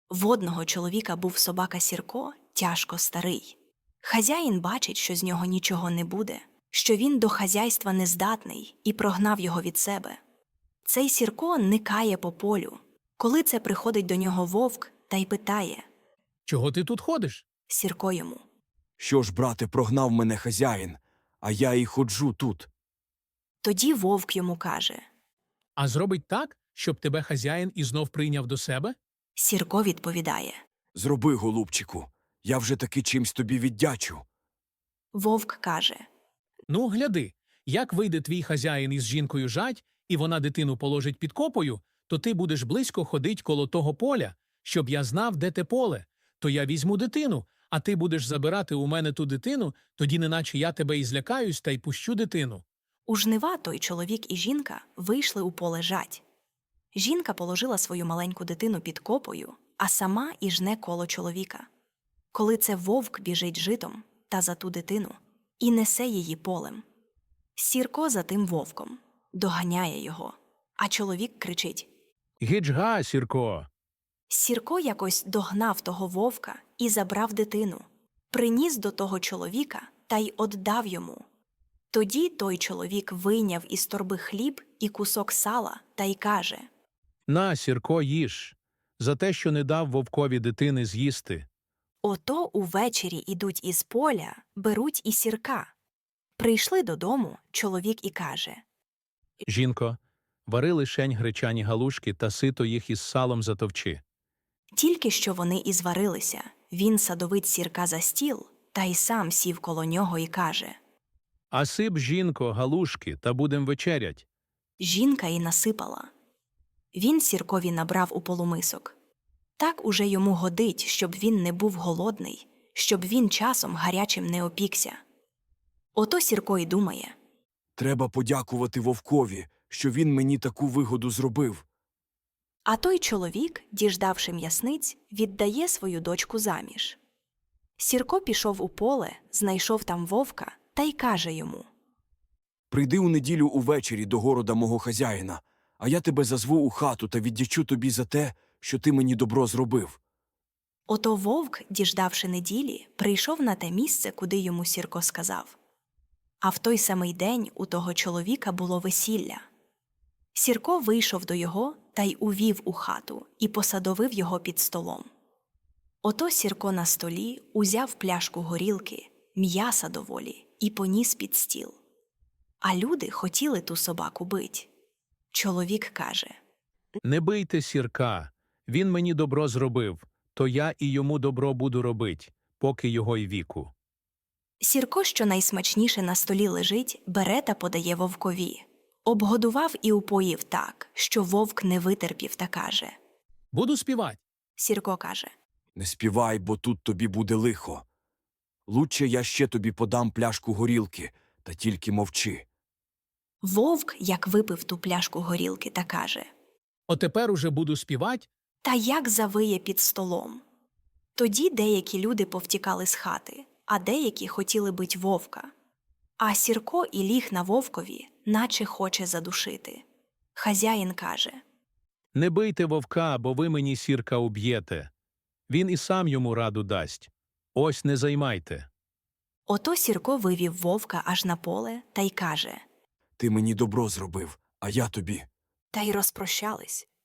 В одного чоловіка був собака Сірко, тяжко старий. Хазяїн бачить, що з нього нічого не буде, що він до хазяйства нездатний, і прогнав його від себе. Цей Сірко никає по полю. Коли це приходить до нього вовк та й питає Чого ти тут ходиш? Сірко йому: Що ж, брате, прогнав мене хазяїн, а я і ходжу тут. Тоді вовк йому каже. А зробить так, щоб тебе хазяїн і знов прийняв до себе? Сірко відповідає. Зроби, голубчику, я вже таки чимсь тобі віддячу. Вовк каже. Ну, гляди, як вийде твій хазяїн із жінкою жать, і вона дитину положить під копою, то ти будеш близько ходить коло того поля, щоб я знав, де те поле. То я візьму дитину, а ти будеш забирати у мене ту дитину, тоді неначе я тебе і злякаюсь та й пущу дитину. У жнива той чоловік і жінка вийшли у поле жать. Жінка положила свою маленьку дитину під копою, а сама і жне коло чоловіка. Коли це вовк біжить житом та за ту дитину і несе її полем. Сірко за тим вовком доганяє його, а чоловік кричить. Гіджга, Сірко! Сірко якось догнав того вовка і забрав дитину, приніс до того чоловіка та й оддав йому. Тоді той чоловік вийняв із торби хліб і кусок сала та й каже. На, Сірко, їж, за те, що не дав вовкові дитини з'їсти. Ото увечері ідуть із поля, беруть і Сірка. Прийшли додому чоловік і каже. Жінко, вари лишень гречані галушки та сито їх із салом затовчи. Тільки що вони і зварилися, він садовить Сірка за стіл та й сам сів коло нього і каже. А сип, жінко, галушки, та будем вечерять. Жінка і насипала. Він Сіркові набрав у полумисок. Так уже йому годить, щоб він не був голодний, щоб він часом гарячим не опікся. Ото Сірко й думає. Треба подякувати вовкові, що він мені таку вигоду зробив. А той чоловік, діждавши м'ясниць, віддає свою дочку заміж. Сірко пішов у поле, знайшов там вовка та й каже йому. Прийди у неділю увечері до города мого хазяїна, а я тебе зазву у хату та віддячу тобі за те, що ти мені добро зробив. Ото вовк, діждавши неділі, прийшов на те місце, куди йому Сірко сказав. А в той самий день у того чоловіка було весілля. Сірко вийшов до його та й увів у хату і посадовив його під столом. Ото Сірко на столі узяв пляшку горілки, м'яса доволі, і поніс під стіл. А люди хотіли ту собаку бить. Чоловік каже. Не бийте Сірка, він мені добро зробив, то я і йому добро буду робить, поки його й віку. Сірко, що найсмачніше на столі лежить, бере та подає вовкові. Обгодував і упоїв так, що вовк не витерпів та каже. Буду співать. Сірко каже. Не співай, бо тут тобі буде лихо. Лучше я ще тобі подам пляшку горілки, та тільки мовчи. Вовк, як випив ту пляшку горілки, та каже. Отепер уже буду співать. Та як завиє під столом. Тоді деякі люди повтікали з хати, а деякі хотіли бить вовка. А Сірко і ліг на вовкові, наче хоче задушити. Хазяїн каже. Не бийте вовка, бо ви мені Сірка уб'єте. Він і сам йому раду дасть. Ось не займайте. Ото Сірко вивів вовка аж на поле та й каже. Ти мені добро зробив, а я тобі. Та й розпрощались.